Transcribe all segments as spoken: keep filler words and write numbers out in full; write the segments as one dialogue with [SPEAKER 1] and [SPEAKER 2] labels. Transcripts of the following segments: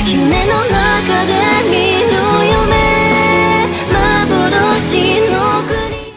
[SPEAKER 1] の中で見る夢幻の国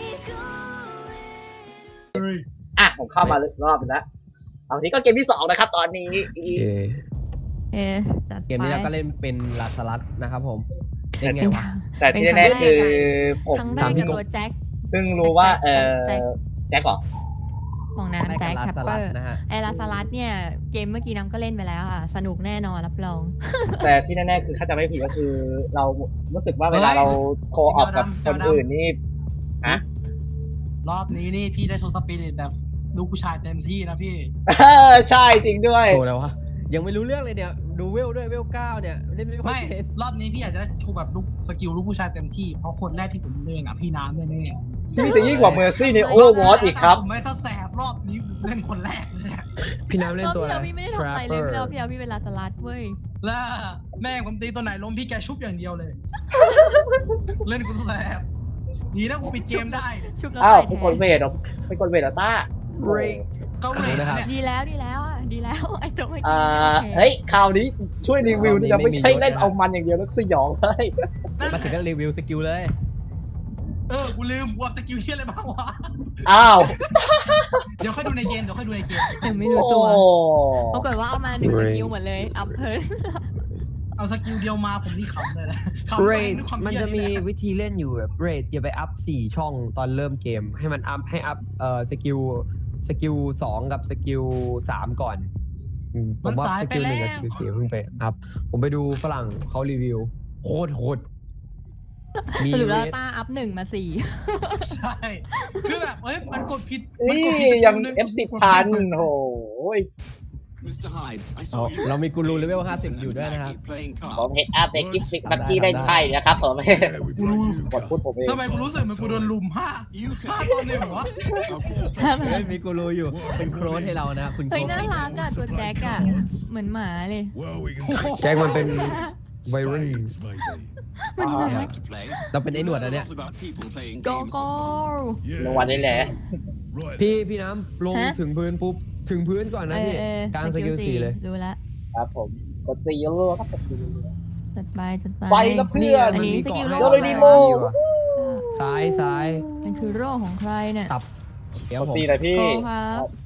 [SPEAKER 2] อ่ะผมเข้ามารอบนึงแล้วเอาทีนี้ก็เกมที่สองนะครับตอนนี้
[SPEAKER 3] เออจัดไป
[SPEAKER 4] เกมนี้เราก็เล่นเป็นลาสลัดนะครับผมเล่นไงวะ
[SPEAKER 2] แต่ที่แน่ๆคือผม
[SPEAKER 3] ครั้งแร
[SPEAKER 4] ถาก มพี่
[SPEAKER 3] กับ
[SPEAKER 4] กบ
[SPEAKER 3] ตัวแจ็ค
[SPEAKER 2] เพิ่งรู้ว่าเออแจ็คเหรอ
[SPEAKER 3] ของน้ำแจ็ค
[SPEAKER 4] ลา
[SPEAKER 3] แคป
[SPEAKER 4] ส
[SPEAKER 3] เป
[SPEAKER 4] ลั
[SPEAKER 3] อ
[SPEAKER 4] ด
[SPEAKER 3] ร์
[SPEAKER 4] นะฮะ
[SPEAKER 3] ไอลาสลัดเนี่ยเกมเมื่อกี้น้ำก็เล่นไปแล้วค่ะ สนุกแน่นอนรับรอง
[SPEAKER 2] แต่ที่แน่ๆคือถ้าจำไม่ผิดก็คือ เรารู้สึกว่าเวลาเราโคออกกับคนอื่นนี่ฮะ
[SPEAKER 5] รอบนี้นี่พี่ได้โชว์สปิริตแบบลูกผู้ชายเต็มที่นะพี่
[SPEAKER 2] เออใช่จริงด้วย
[SPEAKER 4] โอ้แล้ววะยังไม่รู้เรื่องเลยเนี่ยดูเวลด้วยเวลเก้าเนี่ยเล่นไม่ค่อ
[SPEAKER 5] ไม่
[SPEAKER 4] ยเป็น
[SPEAKER 5] รอบนี้พี่อยากจะได้โชว์แบบลูกสกิลลูกผู้ชายเต็มที่เพราะคนแรกที่ผมเล่นอ่ะพี่น้ำแน่
[SPEAKER 2] ที่จะยิ่งกว่าเมอร์ซี่ใน
[SPEAKER 5] ๆ
[SPEAKER 2] โอเวอร์วอตอีกครับ
[SPEAKER 5] ผมไม่ซะแสบรอบนี้ผมเล่นคนแรกเลยอะ
[SPEAKER 4] พี่น้ำเล่นตัวอะไร
[SPEAKER 3] รอบที่แล้วพี่ไม่ได้ทำอะไรเลยพี่แล้วพี่เอาพี่เป็นลาสลัดเว้ย
[SPEAKER 5] แล้วแม่ผมตีตัวไหนล้มพี่แกชุบอย่างเดียวเลย เล่นคนแสบดีนะกูปิดเกมได้
[SPEAKER 3] ชุบแล้ว
[SPEAKER 2] อ้าว
[SPEAKER 3] ตาย
[SPEAKER 2] เป็น
[SPEAKER 3] แท
[SPEAKER 2] คน
[SPEAKER 3] น
[SPEAKER 2] เวทเหรอเป็นคนเวทเหรอต้า
[SPEAKER 5] ก็เวทเนี่ย
[SPEAKER 3] ดีแล้วดีแล้วอ่ะดีแล้วไอตัวเมื่อกี้
[SPEAKER 2] อ่า
[SPEAKER 3] ไม่โอค
[SPEAKER 2] เฮ้ยคราวนี้ช่วยรีวิวนี่จะไม่ใช่เล่นเอามันอย่างเดียวแล้วสยองเลย
[SPEAKER 4] มาถึงก็รีวิวสกิลเลย
[SPEAKER 5] เออกูลืมว่าสกิลที่อะไรบ้างวะ
[SPEAKER 2] อ้าว
[SPEAKER 5] เดี๋ยวค่อยดูในเกมเดี๋ยวค่อยดูในเกม
[SPEAKER 3] ยังไม่รู้ตัว
[SPEAKER 2] โอ้
[SPEAKER 3] ปรากฏว่าเอามาหนึ่งสกิลหมดเลยอัพเพิร์น
[SPEAKER 5] เอาสกิลเดียวมาผมนี่ขำเลยนะขำ
[SPEAKER 4] เร
[SPEAKER 5] ไป
[SPEAKER 4] ด
[SPEAKER 5] ด้วยความ
[SPEAKER 4] มัน
[SPEAKER 5] เหี้ย
[SPEAKER 4] จะมี
[SPEAKER 5] นี่แหล
[SPEAKER 4] วิธีเล่นอยู่แบบเรดอย่าไปอัพสี่ช่องตอนเริ่มเกม ให้มันอัพให้อัพเอ่อสกิลสกิลสองกับสกิลสามก่อนอืมผมว่าสกิลหนึ่งกับสกิลสี่เพิ่งไปอัพผมไปดูฝรั่งเขารีวิวโคตรโหดมี
[SPEAKER 3] สรุป
[SPEAKER 4] เร
[SPEAKER 3] แล้ว
[SPEAKER 4] ด
[SPEAKER 3] ป้าอัพหนึ่งมาสี่
[SPEAKER 5] ใช่ คือแบบเอ้ย มันกดผิดมั
[SPEAKER 2] นี่
[SPEAKER 5] กดผิด
[SPEAKER 2] ยัง
[SPEAKER 5] สกิลหนึ่
[SPEAKER 2] เอฟสิบพันโอ้ย
[SPEAKER 4] เอาเรามีกูรูเลเวลห้าสิบอยู่ด้วยนะครับ
[SPEAKER 2] ผมเห็นอาเบกิฟิกบักกี้ได้ใช่นะครับผมกดพูดผมเอง
[SPEAKER 5] ทำไมกูรู้สึกเหมันกูโดนลุมห้าห้าตอนหนึ่งวะ
[SPEAKER 4] เฮ้ยมีกูรูอยู่เป็นโค้ดให้เรานะคุณ
[SPEAKER 3] เฮ้ย
[SPEAKER 4] โค้
[SPEAKER 3] น่า
[SPEAKER 4] ด
[SPEAKER 3] รักอะตัวแจ็คอะเหมือนหมาเลย
[SPEAKER 4] แจ็คมันเป็นวัยรุ่น
[SPEAKER 3] มันน่ารัก
[SPEAKER 4] เราเป็นไอ้หนวดอันเนี้ย
[SPEAKER 3] โกโก้
[SPEAKER 2] รางวัลนี่แหละ
[SPEAKER 4] พี่พี่น้ำลง
[SPEAKER 3] ฮะ
[SPEAKER 4] ถึงพื้นปุ๊บถึงพื้นก่อนนะ
[SPEAKER 3] เอ
[SPEAKER 4] พี่
[SPEAKER 3] อเออก
[SPEAKER 4] ลางสกิลสี่เลย
[SPEAKER 3] รู้แล้ว
[SPEAKER 2] ครับผมกดตีเรื่อยๆครับกดตีเรื่อย
[SPEAKER 3] จัดไปจัดไป
[SPEAKER 2] ไปแล้วเพื่อน
[SPEAKER 3] อันนี้สกิล
[SPEAKER 4] ให้
[SPEAKER 3] โล่
[SPEAKER 2] โดเรมิโม่
[SPEAKER 4] ซ้ายซ้าย
[SPEAKER 3] มันคือโร่ของใครเนี่ย
[SPEAKER 4] ตับเดี๋
[SPEAKER 2] ๆ
[SPEAKER 4] ยว
[SPEAKER 2] กด
[SPEAKER 4] ผม
[SPEAKER 2] ตีหน่อยพี่
[SPEAKER 3] โกครับ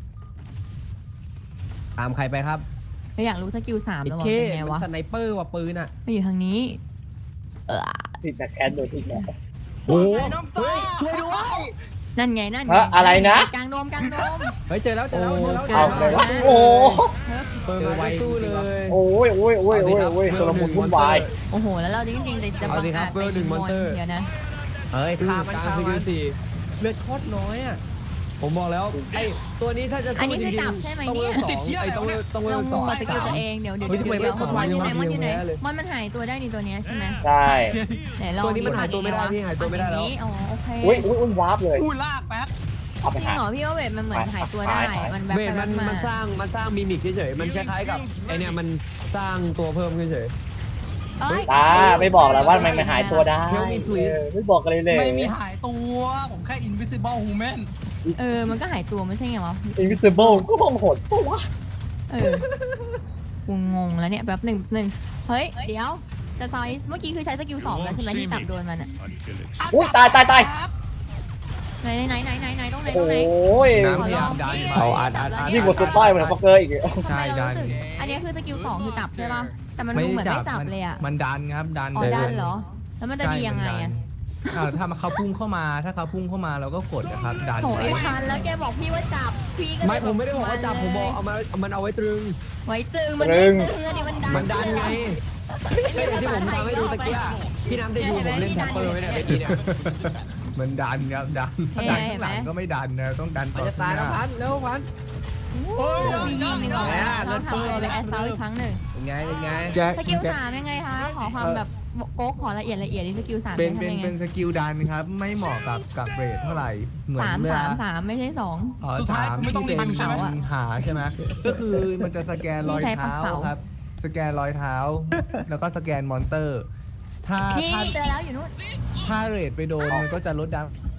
[SPEAKER 4] ตามใครไปครับ
[SPEAKER 3] เราอยากรู้สกิลสาม
[SPEAKER 4] ไอ้
[SPEAKER 3] แล้วว่า
[SPEAKER 4] เค
[SPEAKER 3] เป็นไง
[SPEAKER 4] มัน
[SPEAKER 3] วะ
[SPEAKER 4] สไนเปอร์ว่ะปืนอ่ะ
[SPEAKER 3] ไม่อยู่ทางนี้ เออ
[SPEAKER 2] ติดแต่แคนโดนทิ้งแล้ว
[SPEAKER 4] โอ้โห
[SPEAKER 5] ไอ้น้องสาว
[SPEAKER 4] ช่วยด้วย
[SPEAKER 3] นั่นไงนั่นไง
[SPEAKER 2] ฮะอะไรนะ
[SPEAKER 3] กลางโดมกลางโดม
[SPEAKER 4] เฮ้ยเจอแล้วเจอแล้วเจอแล้ว
[SPEAKER 2] เอาเลยละโอ้
[SPEAKER 4] เปิดไวสู้เลย
[SPEAKER 2] โอ้ยโอ้ยโอ้ยโอ้ยโอ้ยชลมุนวุ่นวาย
[SPEAKER 3] โอ้โหแล้วเราจริงๆจะจะบังอาจไปยิงมอนเดี๋ยวนะ
[SPEAKER 4] เฮ้ยฆ่ามันฆ่ามันสี่เลือดโคตรน้อยอ่ะผมบอกแล้วไอ้ตัวนี้ถ้าจะ
[SPEAKER 3] อัน
[SPEAKER 4] สู้
[SPEAKER 3] นี้
[SPEAKER 4] จ
[SPEAKER 3] คือ
[SPEAKER 4] ริง
[SPEAKER 3] จับใช่ไหม
[SPEAKER 4] ๆต้องเว
[SPEAKER 3] เนี่ย
[SPEAKER 4] ลสองไอ้ต้องเวลต้องเว
[SPEAKER 3] เรา
[SPEAKER 4] ลสอง
[SPEAKER 3] งงสกิลตัวเองเดี๋ยวเดี๋ยว
[SPEAKER 4] เฮ้ย
[SPEAKER 3] เดี๋ยว
[SPEAKER 4] ทำไม
[SPEAKER 3] เดี๋ยว
[SPEAKER 4] ไม่
[SPEAKER 3] มอนอยู่ไหน
[SPEAKER 4] สอง
[SPEAKER 3] มอนอยู่ไหน
[SPEAKER 4] เลย
[SPEAKER 3] มอนมันหายตัวได้นี่ตัวเนี้ยใช่ไหม
[SPEAKER 2] ใช่
[SPEAKER 3] ไหนลอง
[SPEAKER 4] ตัวนี้มันหายตัวไม่ได้พี่หายตัวไม่ได้แล้ว
[SPEAKER 3] อ๋อโอเค
[SPEAKER 2] อุ้ยอุ้ยอุ้ยวาร์ปเลย
[SPEAKER 5] พูดลากแป๊บ
[SPEAKER 2] เอาไป
[SPEAKER 3] จริง
[SPEAKER 2] หา
[SPEAKER 3] เหรอพี่ว่าเวทมันเหมือนหายตัวได้ มันแบบ
[SPEAKER 4] เวท
[SPEAKER 3] ไป
[SPEAKER 4] มัน
[SPEAKER 3] มา
[SPEAKER 4] มันสร้างมันสร้างมิมิกเฉยๆมันคล้ายๆกับไอเนี่ยมันสร้างตัวเพิ่มเฉย
[SPEAKER 3] เอ้ย
[SPEAKER 2] ตาไม่บอกแล้วว่ามันมันหายตัวได้
[SPEAKER 4] Tell me please
[SPEAKER 2] เออไม่บอกกันเลยเลย
[SPEAKER 5] ไม่มีหายตัว ผมแค่ invisible human
[SPEAKER 3] เออมันก็หายตัวไม่ใช่ไงวะ
[SPEAKER 2] invisible ก็คงโหดปะวะ
[SPEAKER 3] เออกูงงแล้วเนี่ยแบบหนึ่งหนึ่งเฮ้ยเดี๋ยวจะซอยเมื่อกี้คือใช้สกิลสองแล้วใช่ไหมที่จับโดนมันอะ
[SPEAKER 2] อุ้ยตายตายตาย
[SPEAKER 3] ไหนไหนไหนไหนไหนตรงไหน
[SPEAKER 2] โอ
[SPEAKER 3] ตรงไหน
[SPEAKER 2] ้ย
[SPEAKER 4] น้ำพยายามดันเขาอัดอัดอัด
[SPEAKER 2] ยิ่งกว่าซุปเปอร์เหมือนฟักเกอร์อีกอะ
[SPEAKER 3] ทำไมเรารู้สึกอันนี้คือสกิลสองคือจับใช่ป่ะแต่มัน
[SPEAKER 6] ไม่
[SPEAKER 3] ดูเหมือน
[SPEAKER 6] จั
[SPEAKER 3] ไม่
[SPEAKER 6] บ
[SPEAKER 3] จับ
[SPEAKER 6] มัน
[SPEAKER 3] เลยอ่ะ
[SPEAKER 6] มันดันครับดัน
[SPEAKER 3] อ๋อดันเหรอ แล้วมันจะดียังไงอ่ะ
[SPEAKER 6] อ่าถ้าเขาพุ่งเข้ามาถ้าเขาพุ่งเข้ามาเราก็กดนะครับดัน
[SPEAKER 3] โหไอ้พันแล้วแกบอกพี่ว่าจับพี่ก็
[SPEAKER 4] ไม่ผมไม่ได้บอกว่าจับผมบอกเอามาเอามันเอาไว้ตรึง
[SPEAKER 3] ไว้ตึงมันไม่ตึงดิมันดัน
[SPEAKER 4] มันดันไงก็อย่างที่ผมทำให้ดูตะกี้อะพี่น้ำได้ดูผมเล่นแท็ปเปอร์ไว้เนี่ยเมื่อกี้เนี่ย
[SPEAKER 6] มันดันครับดันถ้าดันข้างหลังก็ไม่ดันนะต้องดัน
[SPEAKER 4] มัน
[SPEAKER 6] ต่อ
[SPEAKER 4] จะตาย
[SPEAKER 6] ข้างห
[SPEAKER 4] แล้ว
[SPEAKER 6] น้า
[SPEAKER 4] พันเร็วพัน
[SPEAKER 3] มียิงหนึ่งออกมาต้องทำตัวเป็นแอสเซาอีกครั้งหนึ่ง
[SPEAKER 4] เป็นไงเป็นไง
[SPEAKER 6] แจ็ค
[SPEAKER 3] สกิลสามยังไงคะขอความแบบโก๊กขอละเอียดละเอียดนี่สกิลสาม
[SPEAKER 6] เป็น
[SPEAKER 3] ทำ
[SPEAKER 6] เป็น
[SPEAKER 3] ยังไง
[SPEAKER 6] เป็นสกิลดันครับไม่เหมาะกับกับเรทเท่าไหร่เหมือน
[SPEAKER 3] สาม
[SPEAKER 6] เว
[SPEAKER 3] สา
[SPEAKER 6] ลาม
[SPEAKER 3] สามไม่ใช่สอง
[SPEAKER 6] อ๋อ
[SPEAKER 5] สุดท้าย
[SPEAKER 6] สาม
[SPEAKER 5] ไม่ต้อ
[SPEAKER 6] ที่
[SPEAKER 5] ง
[SPEAKER 6] เป็น
[SPEAKER 5] รีวิวใช่ไหม
[SPEAKER 6] ปัญหาใช่ไหมก็คือมันจะสแกนรอยเท้าครับสแกนรอยเท้า แล้วก็สแกนมอนเตอร์ ถ้า
[SPEAKER 3] นี่
[SPEAKER 6] ถ้า
[SPEAKER 3] เจอแล้วอยู่นู้น
[SPEAKER 6] ถ้าเรทไปโดนมันก็จะลดดา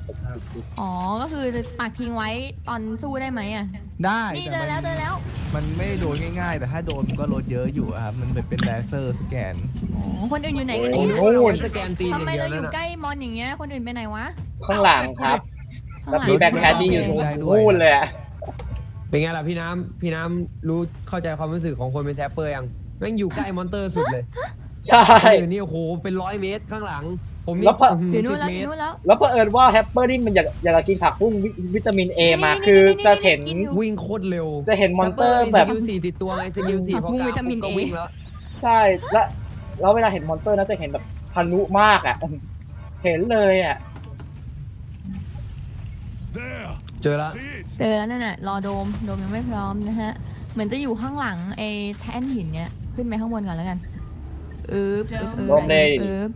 [SPEAKER 3] อ๋อก็คือปักทิ้งไว้ตอนสู้ได้ไหมอ่ะ
[SPEAKER 6] ได้
[SPEAKER 3] นี่
[SPEAKER 6] แต่
[SPEAKER 3] เจอแล้วเจอแล้ว
[SPEAKER 6] มันไม่โดนง่ายๆ แต่ถ้าโดนมันก็ลดเยอะอยู่อะครับมันเป็นเป็นเลเซอร์สแกน
[SPEAKER 3] อ๋อคนอื่นอยู่ไหนกัน
[SPEAKER 2] โอ้
[SPEAKER 3] เนี่ย
[SPEAKER 2] โห
[SPEAKER 4] เอาไว้สแกนตีนอ
[SPEAKER 3] ทำ
[SPEAKER 4] ย่าง
[SPEAKER 3] ไม
[SPEAKER 4] เดียว
[SPEAKER 3] เราอ
[SPEAKER 4] นั่น
[SPEAKER 3] ยู่
[SPEAKER 4] น่ะ
[SPEAKER 3] ใกล้มอนอย่างเงี้ยคนอื่นไปไหนวะ
[SPEAKER 2] ข้างหลังครับ
[SPEAKER 3] ข้าง
[SPEAKER 2] แล้ว
[SPEAKER 3] หลัง
[SPEAKER 2] พี่แบ็คแคทดี้อยู่ตรง
[SPEAKER 6] ได้ด้วย
[SPEAKER 2] นู่นเลยอะ
[SPEAKER 4] เป็นไงล่ะพี่น้ำพี่น้ำรู้เข้าใจความรู้สึกของคนเป็นแทปเปอร์ยังแม่งอยู่ใกล้มอนเตอร์สุดเลย
[SPEAKER 2] ใช่
[SPEAKER 4] คนอื่นนี่โอ้โหเป็นร้อยเมตรข้างหลัง ผมนี่
[SPEAKER 2] แล้วพอ
[SPEAKER 4] อื้อ
[SPEAKER 3] อยู่
[SPEAKER 4] หื
[SPEAKER 3] นู่
[SPEAKER 4] อน สิบ
[SPEAKER 3] แล้วอ
[SPEAKER 4] เมต
[SPEAKER 3] ยู่
[SPEAKER 4] ร
[SPEAKER 3] นู่นแล้ว
[SPEAKER 2] แล้วเผอิญว่าแฮปเปอร์นี่มันอยากอยากจะกินผักบุ้งวิวิตามินเอมา
[SPEAKER 3] นี่ๆๆๆ
[SPEAKER 2] คือจะเห็น
[SPEAKER 3] กินอยู่
[SPEAKER 4] วิ่งโคตรเร็ว
[SPEAKER 2] จะเห็นมอนเตอร์แบบ
[SPEAKER 4] สกิลสี่ติดตัวไงสกิลสี่
[SPEAKER 3] ผัก
[SPEAKER 4] พอ
[SPEAKER 3] บุ้ง
[SPEAKER 4] กา
[SPEAKER 3] วิตามิน
[SPEAKER 4] ก็
[SPEAKER 3] A
[SPEAKER 4] วิ่งแล้ว
[SPEAKER 2] ใช่แล้วแล้วเวลาเห็นมอนเตอร์นะจะเห็นแบบทะลุมากอ่ะ เห็นเลยอ่ะ
[SPEAKER 4] เจอแล้ว
[SPEAKER 3] เจอแล้วนั่นน่ะรอโดมโดมยังไม่พร้อมนะฮะเหมือนจะอยู่ข้างหลังไอ้แท่นหินเนี้ยขึ้นไปข้างบนก่อนแล้วกันเอ๊บเอ๊บเอ๊บ
[SPEAKER 2] โดมเลย
[SPEAKER 3] เอ๊บ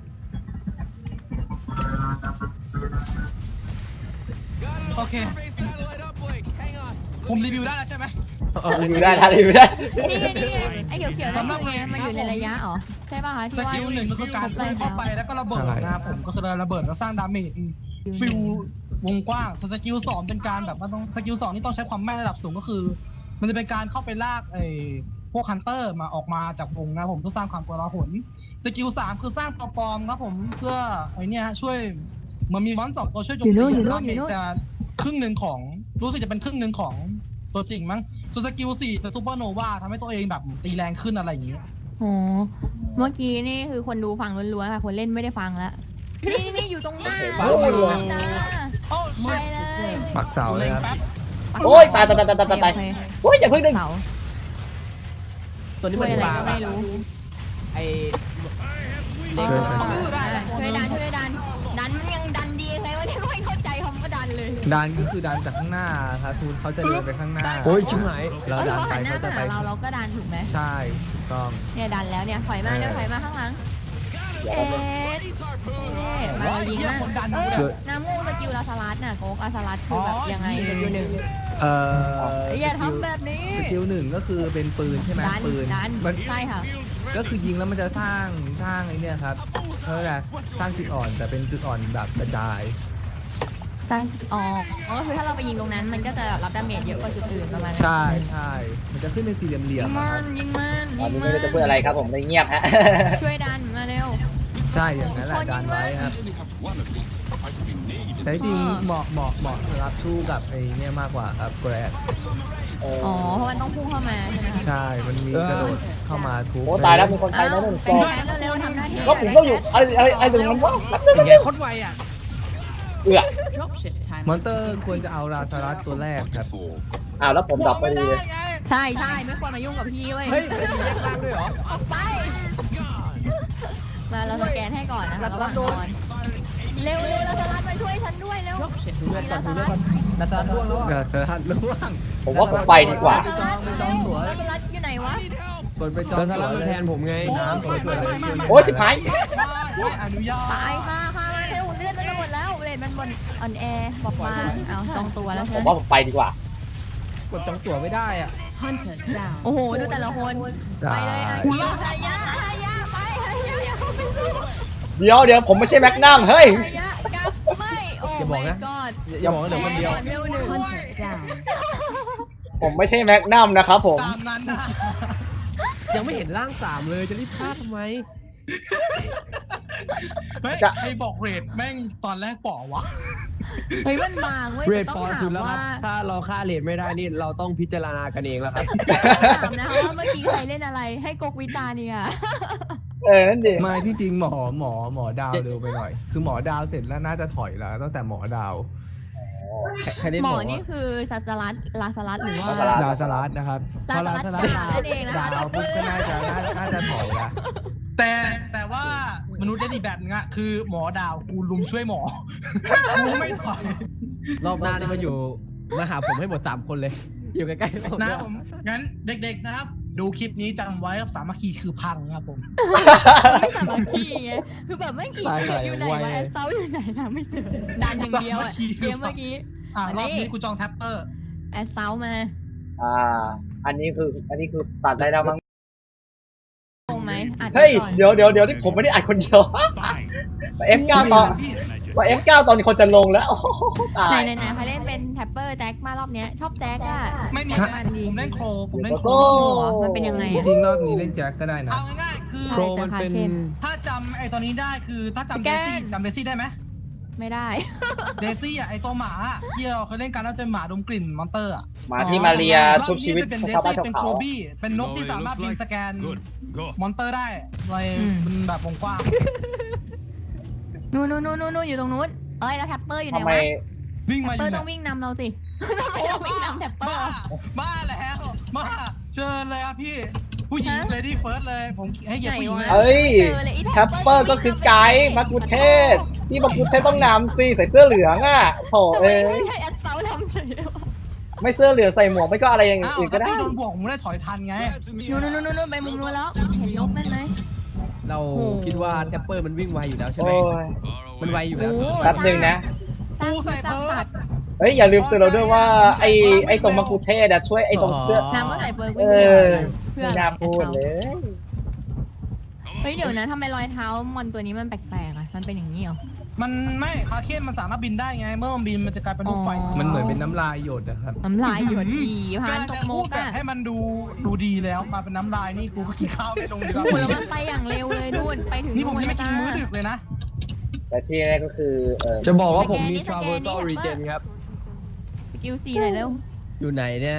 [SPEAKER 5] โอเค ผมรีวิวได้แล้วใช่ไหม
[SPEAKER 2] รีวิวได้ทันรีวิวได้
[SPEAKER 3] นี่ไงนี่ไงไอ้เขียวๆนั่นคือไงมันอยู่ในระยะเหรอใช่ป่ะคะ
[SPEAKER 5] ส
[SPEAKER 3] ที่ว่า
[SPEAKER 5] กิลหนึ่งก็คือการพุ่งเข้าไปแล้วก็ระเบิดนะครับผมก็คือระเบิดแล้วสร้างดาเมจฟิลวงกว้างส่วนสกิลสองเป็นการแบบว่าต้องสกิลสองนี่ต้องใช้ความแม่นระดับสูงก็คือ มันจะเป็นการเข้าไปลากไอ้พวกฮันเตอร์มาออกมาจากวงนะผมเพื่อสร้างความกลาหลสกิลสามคือสร้างตัวปลอมครับผมเพื่อไอ้นี่ฮะช่วยเหมันมีมอนสองตัวช่วยโจมตีดาเมจจะครึ่งหนึ่งของรู้สึกจะเป็นครึ่งหนึ่งของตัวจริงมั้งส่วนสกิลสี่เป็นซูเปอร์โนวาทำให้ตัวเองแบบตีแรงขึ้นอะไรอย่างเงี้ย
[SPEAKER 3] โอ้เมื่อกี้นี่คือคนดูฟังล้วนๆค่ะคนเล่นไม่ได้ฟังแล้วนี่นี่อยู่ตรงหน้า
[SPEAKER 2] โอ้โห
[SPEAKER 3] จ้า
[SPEAKER 5] โอ้
[SPEAKER 3] ไป
[SPEAKER 5] ชิต
[SPEAKER 3] เลย
[SPEAKER 6] ปักเสาเลยครับ
[SPEAKER 2] โอ้ยตายตายตายตายตายตาย
[SPEAKER 3] โอเค
[SPEAKER 2] โอ้ยอย่าเพิ่งดึง
[SPEAKER 3] เสา
[SPEAKER 7] ตัวนี้
[SPEAKER 3] ช่
[SPEAKER 7] มั
[SPEAKER 3] วย
[SPEAKER 7] น
[SPEAKER 3] อะไร
[SPEAKER 7] ปลา
[SPEAKER 3] ก็ไม่รู้
[SPEAKER 7] ไอ้
[SPEAKER 3] อ๋อ
[SPEAKER 6] ช่วยกัน
[SPEAKER 3] อ่ะช่วยดันช่วยดัน ดันมันยังดันดียังไงวะเนี่ยไม่เข้าใจคำว่าดันเลย
[SPEAKER 6] ดันก็คือดันจากข้างหน้าครับทูนเขาจะเดินไปข้างหน้า
[SPEAKER 4] โอ้ยชิบหาย
[SPEAKER 6] เราดันไป
[SPEAKER 3] หันหน้า
[SPEAKER 6] เขาจะ
[SPEAKER 3] มา
[SPEAKER 6] ไป
[SPEAKER 3] หาเราเราก็ดันถูกไหม
[SPEAKER 6] ใช่ถูกต้อง
[SPEAKER 3] เนี่ยดันแล้วเนี่ยถอยมาเร็วถอยมาข้างหลัง
[SPEAKER 2] เดี๋ยว
[SPEAKER 3] เอ๊
[SPEAKER 2] เราจะ
[SPEAKER 3] ะมาเรายิงมาก
[SPEAKER 5] คนดัน
[SPEAKER 3] เออ
[SPEAKER 6] เจอ
[SPEAKER 3] น้ำมูกสกิลลาสลัดน่ะโกกลาสลัดคือแบบยังไงสกิลหนึ่ง
[SPEAKER 6] เอ่อ
[SPEAKER 3] อย่าทำแบบนี้
[SPEAKER 6] สกิลหนึ่งก็คือเป็นปืนใช่ไหม
[SPEAKER 3] ดัน
[SPEAKER 6] ปืน
[SPEAKER 3] ดัน
[SPEAKER 6] มัน
[SPEAKER 3] ใช่ค่ะ
[SPEAKER 6] ก็คือยิงแล้วมันจะสร้างสร้างไอ้เนี่ยครับเขาเรียกอะไรสร้างจุดอ่อนแต่เป็นจุดอ่อนแบบกระจาย
[SPEAKER 3] ตั้งออกอ๋อก็คือถ้าเราไปยิงตรงนั้น มันก็จะรับดาเมจเยอะกว่าจุดอื่นประมาณนั้น
[SPEAKER 6] ใช่ใช่มันจะขึ้นเป็นสี่เหลี่ย
[SPEAKER 3] ยิ
[SPEAKER 6] ม
[SPEAKER 3] ง
[SPEAKER 6] ๆ
[SPEAKER 3] มั
[SPEAKER 6] อะครับ
[SPEAKER 3] นยิงมัน
[SPEAKER 2] ต
[SPEAKER 3] ยิ
[SPEAKER 2] อน
[SPEAKER 3] ง
[SPEAKER 2] นี้
[SPEAKER 3] มั
[SPEAKER 2] ไม่รู้จะพูดอะไรครับผมเลยเงียบฮะ
[SPEAKER 3] ช่วยดันมาเร็ว
[SPEAKER 6] ใช่อย่างนั้นแหละดันไว้ครับแต่จริงๆเหมาะเหมาะเหมาะสำหรับสู้กับไอ้เนี่ยมากกว่าครับแกรด
[SPEAKER 2] เออ
[SPEAKER 3] อ๋อเพราะมันต้องพุ่งเข้ามาใช่ไหมคะ
[SPEAKER 6] ใช่มันมีกระโดดเข้ามาทุบ
[SPEAKER 2] โอ้ตายแล้วมีคนไป
[SPEAKER 3] อ้าว
[SPEAKER 2] แล้วหนึ่ง
[SPEAKER 3] เป็
[SPEAKER 2] ตั
[SPEAKER 3] น
[SPEAKER 2] ว
[SPEAKER 3] แฟนเร็วๆทำหน้าที่
[SPEAKER 2] ก็ผมต้องอยู่อะไรอะไรอะไรตรงนั้นวะ
[SPEAKER 7] เป็นไงโคตรไวอ่ะ
[SPEAKER 2] เอือ
[SPEAKER 6] มอนเตอร์ควรจะเอาราซารัสตัวแรกครับ
[SPEAKER 2] อ้าวแล้วผมดับไปดีเลย
[SPEAKER 3] ใช่ใช่ไม่ควรมายุ่งกับพี่เว้ย
[SPEAKER 7] เฮ้ยเป็นแยกล่างด้วยเหรอ
[SPEAKER 3] ออกไป มาเราสแกนให้ก่อนนะคะระหว่างนอนเร็วเร็วเราสลัดมาช่วยฉันด้วยเร็ว
[SPEAKER 7] ดูเลือดก่อนดูเลือดก่อนนาตาล่วงแล้ว
[SPEAKER 6] ราซารัสล่วง
[SPEAKER 2] ผมว่าผมไปดีกว่า
[SPEAKER 6] ไปจองไปจองตั๋ว
[SPEAKER 3] เราสลัดอยู่ไหนวะ
[SPEAKER 6] กดไปจอ
[SPEAKER 4] ต
[SPEAKER 6] ง
[SPEAKER 4] อนส
[SPEAKER 6] ตั๋
[SPEAKER 4] ลั
[SPEAKER 6] ว
[SPEAKER 4] บ
[SPEAKER 6] เล
[SPEAKER 4] มาย แทนผมไง
[SPEAKER 6] น้ำกดตัวเลย
[SPEAKER 2] โอ้ยชิบหาย
[SPEAKER 5] ไม่อนุญาต
[SPEAKER 3] ตายค่ะค่ะมาเร็วเลือดมันจะหมดแล้วเรดมันบนอ่อนแอบอกมาเอาจองตัวแล้ว
[SPEAKER 2] ผ
[SPEAKER 3] ใช่
[SPEAKER 2] ม
[SPEAKER 3] ไหม
[SPEAKER 2] ว่าผมไปดีกว่า
[SPEAKER 7] กดจองตั๋วไม่ได้อ่ะ
[SPEAKER 3] โอ้โหดูแต่ละคน
[SPEAKER 6] ได้
[SPEAKER 3] ไปเลยอ่ะยิงฮายะฮายะไปฮายะอย่าเข้าไปสู้
[SPEAKER 2] เดี๋ยวเดี๋ยวผมไม่ใช่แม็กนัมเฮ้ย
[SPEAKER 3] ฮายะกลับไม่โอ้
[SPEAKER 7] อย่าบอกนะ
[SPEAKER 3] my god
[SPEAKER 7] อย่าบอกว่าเหลือคนเดียว
[SPEAKER 3] เร็วหนึ่ง
[SPEAKER 2] ผมไม่ใช่แม็กนัมนะครับผม
[SPEAKER 5] ตามนั้นนะ
[SPEAKER 7] ยังไม่เห็นร่างสามเลยจะรีบฆ่าทำไม
[SPEAKER 5] เฮ้ยใครบอกเรทแม่งตอนแรกป๋อวะ
[SPEAKER 3] เฮ้ยมันบางเว้ย
[SPEAKER 4] เรท
[SPEAKER 3] ต้
[SPEAKER 4] พ
[SPEAKER 3] อง
[SPEAKER 4] อ
[SPEAKER 3] ถา
[SPEAKER 4] สุ
[SPEAKER 3] ม
[SPEAKER 4] ดแล้วค
[SPEAKER 3] ว่า
[SPEAKER 4] รับ ถ้าเราฆ่าเรทไม่ได้นี่เราต้องพิจารณากันเองแล้วครับ
[SPEAKER 3] ต้องถามนะคะว่าเมื่อกี้ใครเล่นอะไรให้กกวิจารณ์เนี่ย
[SPEAKER 2] เออนั่นดิ
[SPEAKER 6] ไม่ที่จริงหมอหมอหมอดาวเร็วไปหน่อย คือหมอดาวเสร็จแล้วน่าจะถอยแล้วตั้งแต่หมอดาว
[SPEAKER 7] ใครได้
[SPEAKER 3] หม
[SPEAKER 7] บ
[SPEAKER 3] อ
[SPEAKER 7] อก
[SPEAKER 3] นี่
[SPEAKER 7] ว่า
[SPEAKER 3] คือสัจลัดลาสลัดหรือว่า
[SPEAKER 6] ดาวสลัดนะครับพอ
[SPEAKER 3] ดา
[SPEAKER 6] ดาว ว
[SPEAKER 3] ส
[SPEAKER 6] ส
[SPEAKER 3] ลั
[SPEAKER 6] ลั
[SPEAKER 3] ด
[SPEAKER 6] ด
[SPEAKER 3] นั่นเองนะคะ
[SPEAKER 6] ดาวปุ๊บก็น่าจะน่าน่าจะถอยละ
[SPEAKER 5] แต่แต่ว่ามนุษย์ได้ดีแบบนึงอะคือหมอดาวกูลุมช่วยหมอ กูไม่ถอย
[SPEAKER 7] รอบหน้านี่มาอยู่มาหาผมให้หมดสามคนเลย อยู่ใกล้ๆผม
[SPEAKER 5] นะ
[SPEAKER 7] ด้วย
[SPEAKER 5] ผมงั้นเด็กๆนะครับ ดูคลิปนี้จำไว้ครับสามัคคีคือพังครับผม
[SPEAKER 3] ไม่สามัคคีไงคือแบบไม่กี่อยู่ไหนวะแอสเซาอยู่ไหนนะไม่เจอดันอย่างเดียวอะเกมเมื่อกี้
[SPEAKER 5] อ่ารอบนี้กูจองแท็ปเปอร์
[SPEAKER 3] แอสเซามา
[SPEAKER 2] อ่า อันนี้คือ อันนี้คือตัดได้แล้วมั้ง
[SPEAKER 3] ตรงไหมอัด
[SPEAKER 2] เฮ้ย
[SPEAKER 3] ก่อน
[SPEAKER 2] เดี๋ยวเดี๋ยวเดี๋ยวนี่ผมไม่ได้อัดคนเดียว เอฟเก้าต่อว่า เอฟ เก้า ตอนนี้คนจะลงแล้วโอ้โหตา
[SPEAKER 3] ไหน
[SPEAKER 2] ย
[SPEAKER 3] ไหนไหนใครเล่นเป็นแท็ปเปอร์แจ็คมารอบเนี้ยชอบแจ็คอะ
[SPEAKER 5] ไม่มี
[SPEAKER 3] แจ็ค
[SPEAKER 5] นะ
[SPEAKER 3] มันดี
[SPEAKER 5] ผมเล่นโครผมเล่นโคร
[SPEAKER 2] โอ้
[SPEAKER 3] มันเป็นยังไง
[SPEAKER 6] จ
[SPEAKER 3] อะ
[SPEAKER 6] ริงๆรอบนี้เล่นแจ็คก็ได้นะ
[SPEAKER 5] เอาง่ายๆคือ
[SPEAKER 4] โครมันเป็น
[SPEAKER 5] ถ้าจำไอ้ตัวนี้ได้คือถ้าจำ
[SPEAKER 3] แก
[SPEAKER 5] เด
[SPEAKER 3] น
[SPEAKER 5] ซี่จำเดซี่ได้ไหม
[SPEAKER 3] ไม่ได้
[SPEAKER 5] เดซี่อ่ะไอ้ตัวหมาอะที่เราเคยเล่นกันแล้วจะหมาดมกลิ่นมอนเตอร์อ่ะ
[SPEAKER 2] หมาที่มาเรีย
[SPEAKER 5] รอ
[SPEAKER 2] ชุ
[SPEAKER 5] บบ
[SPEAKER 2] ชี
[SPEAKER 5] นี้
[SPEAKER 2] วิต
[SPEAKER 5] จะเป็น
[SPEAKER 2] ของ
[SPEAKER 5] เด
[SPEAKER 2] ชาวบ้าน
[SPEAKER 5] ซี่
[SPEAKER 2] ชาว
[SPEAKER 5] เป็น
[SPEAKER 2] เขา
[SPEAKER 5] โกลบี้เป็นนกที่สามารถบินสแกนมอนเตอร์ได้เลย
[SPEAKER 3] อืม
[SPEAKER 5] เป็นแบบวงกว้าง
[SPEAKER 3] นู่นนู่นนู่นนู่นอยู่ตรงนู้นเอ้ยแล้วแท็ปเปอร์อยู่ไหน
[SPEAKER 2] ทำไม
[SPEAKER 3] วะ
[SPEAKER 5] วิ่ง
[SPEAKER 3] แท็
[SPEAKER 5] มา
[SPEAKER 3] ป
[SPEAKER 5] อ
[SPEAKER 3] เปอยู่ ร์
[SPEAKER 5] เนี่
[SPEAKER 3] ต้องวิ่งนำเราสิทำไมต้องวิ่งนำแท็ปเปอ
[SPEAKER 5] บ้า
[SPEAKER 3] ร์
[SPEAKER 5] บ้าแล้วมาเชิญเลยครับพี่ ผู้หญิง
[SPEAKER 3] ฮะ
[SPEAKER 5] เลดี้เฟิร์สเลย ผมให้เหยียบผู้หญิงเลย
[SPEAKER 2] เอ้ย
[SPEAKER 3] เจอเลยไอ้
[SPEAKER 2] แทปเปอร์ก็คือไกด์มากุเทศที่มากุเทศต้องนำสิใส่เสื้อเหลืองอ่ะโถ
[SPEAKER 3] ทำไม
[SPEAKER 2] เอ้ย
[SPEAKER 3] ไม่ให้แอดเซาทำเฉยเลยวะ
[SPEAKER 2] ไม่เสื้อเหลืองใส่หมวกไม่ก็อะไรอย่าง
[SPEAKER 5] อ้าว
[SPEAKER 2] อื่นก็
[SPEAKER 5] ถ้า
[SPEAKER 2] ได้
[SPEAKER 5] พี่โดนบวกผมไม่ได้ถอยทันไง
[SPEAKER 3] นู่นนู่นนู่นนู่นไปมุมนู้นแล้ว เห็นนกนั่นไหม
[SPEAKER 7] เรา
[SPEAKER 3] โอ้
[SPEAKER 7] คิดว่าแทปเปอร์มันวิ่งไวอยู่แล้วใช่ไหม
[SPEAKER 2] โอ้ย
[SPEAKER 7] มันไวอยู่แล้ว
[SPEAKER 3] โอ้
[SPEAKER 2] แป๊บหนึ่งนะ
[SPEAKER 3] สร้าง
[SPEAKER 5] กูใส่
[SPEAKER 3] สร้าง
[SPEAKER 5] เพิ่ม
[SPEAKER 3] สัตว์
[SPEAKER 2] เฮ้ยอย่าลืมเตือนเราด้วยว่าไอ้ไอ้ตรงมากุเทศอะช่วยไอ้ตรงเสื้อ
[SPEAKER 3] น้ำก็ใส่เบอร์
[SPEAKER 2] เอ
[SPEAKER 3] วิ่งเดียว
[SPEAKER 2] อ
[SPEAKER 3] เพื่อ
[SPEAKER 2] ไม่
[SPEAKER 3] อะไร
[SPEAKER 2] น่าพูดเลย
[SPEAKER 3] เฮ้ยเดี๋ยวนะทำไมรอยเท้ามอนตัวนี้มันแปลกๆอ่ะ มันเป็นอย่างนี้เหรอ
[SPEAKER 5] มันไม่คาเคนมันสามารถบินได้ไง เมื่อมันบินมันจะกลายเป็นลูกไฟ
[SPEAKER 3] อ๋อ
[SPEAKER 6] มันเหมือนเป็นน้ำลายหยดนะครับ
[SPEAKER 3] น้ำลายหยดดีพานต
[SPEAKER 5] จะ
[SPEAKER 3] กโม
[SPEAKER 5] พูด
[SPEAKER 3] ก
[SPEAKER 5] แบบ
[SPEAKER 3] อะ
[SPEAKER 5] ให้มันดูดูดีแล้วมาเป็นน้ำลายนี่กูก็กินข้าวไม่ลงดีกว่า
[SPEAKER 3] โอ้โหแล้วมันไปอย่างเร็วเลยนู่นไปถึง
[SPEAKER 5] นี่ผมยังไม่กิน
[SPEAKER 3] จ้า
[SPEAKER 5] มื้อดึกเลยนะ
[SPEAKER 2] แต่ที่แน่ก็คือเออ
[SPEAKER 4] จะบอกว่าผมมี
[SPEAKER 3] สแกนนี่
[SPEAKER 4] traversal
[SPEAKER 3] สแกนนี่
[SPEAKER 4] regen ครับ
[SPEAKER 3] สกิลซีหน่อยเร็ว
[SPEAKER 7] อยู่ไหนเนี่ย